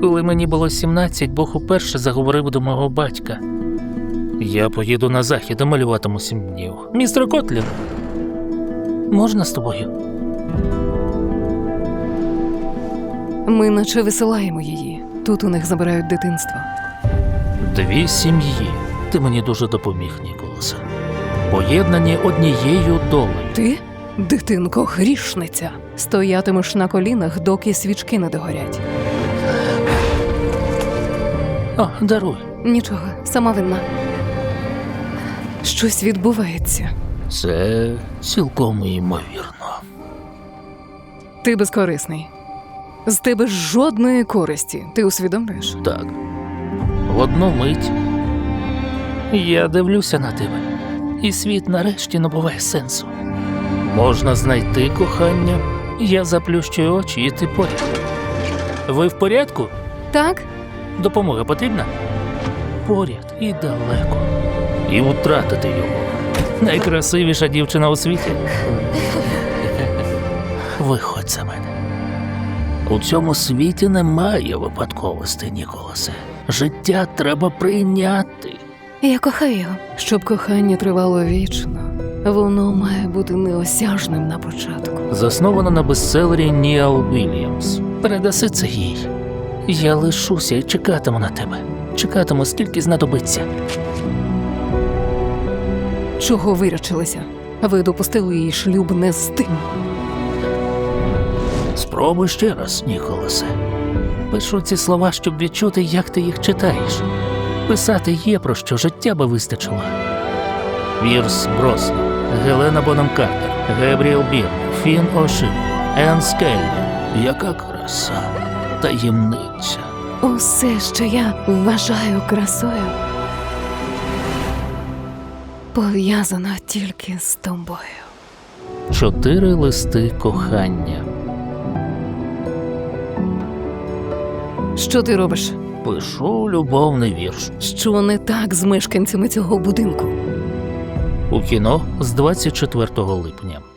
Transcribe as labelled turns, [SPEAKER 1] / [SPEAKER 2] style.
[SPEAKER 1] Коли мені було 17, Бог уперше заговорив до мого батька. Я поїду на захід і малюватиму 7 днів. Містер Котлін, можна з тобою?
[SPEAKER 2] Ми наче висилаємо її. Тут у них забирають дитинство.
[SPEAKER 1] 2 сім'ї. Ти мені дуже допоміг, Ніколасе. Поєднані однією долею.
[SPEAKER 2] Ти, дитинко, грішниця, стоятимеш на колінах, доки свічки не догорять.
[SPEAKER 1] О, даруй.
[SPEAKER 2] Нічого, сама винна. Щось відбувається.
[SPEAKER 1] Це цілком імовірно.
[SPEAKER 2] Ти безкорисний. З тебе жодної користі. Ти усвідомлюєш?
[SPEAKER 1] Так. В одну мить я дивлюся на тебе, і світ нарешті набуває сенсу. Можна знайти кохання, я заплющую очі, і ти поряд. Ви в порядку?
[SPEAKER 2] Так?
[SPEAKER 1] Допомога потрібна? Поряд і далеко. І втратити його. Найкрасивіша дівчина у світі. Виходь за мене. У цьому світі немає випадковостей, Ніколасе. Життя треба прийняти.
[SPEAKER 2] Я кохаю його. Щоб кохання тривало вічно, воно має бути неосяжним на початку.
[SPEAKER 1] Заснована на бестселері Ніал Вільямс. Передаси це їй. Я лишуся і чекатиму на тебе. Чекатиму, скільки знадобиться.
[SPEAKER 2] Чого вирячилися? Ви допустили її шлюб не з тим.
[SPEAKER 1] Спробуй ще раз, Ніколасе. Пишу ці слова, щоб відчути, як ти їх читаєш. Писати є про що, життя би вистачило. Пірс Броснан, Гелена Бонем Картер, Гебріел Бірн, Фін Ошин, Енн Скельман. Яка краса, таємниця.
[SPEAKER 2] Усе, що я вважаю красою, пов'язано тільки з тобою.
[SPEAKER 1] 4 листи кохання.
[SPEAKER 2] Що ти робиш?
[SPEAKER 1] Пишу любовний вірш.
[SPEAKER 2] Що не так з мешканцями цього будинку?
[SPEAKER 1] У кіно з 24 липня.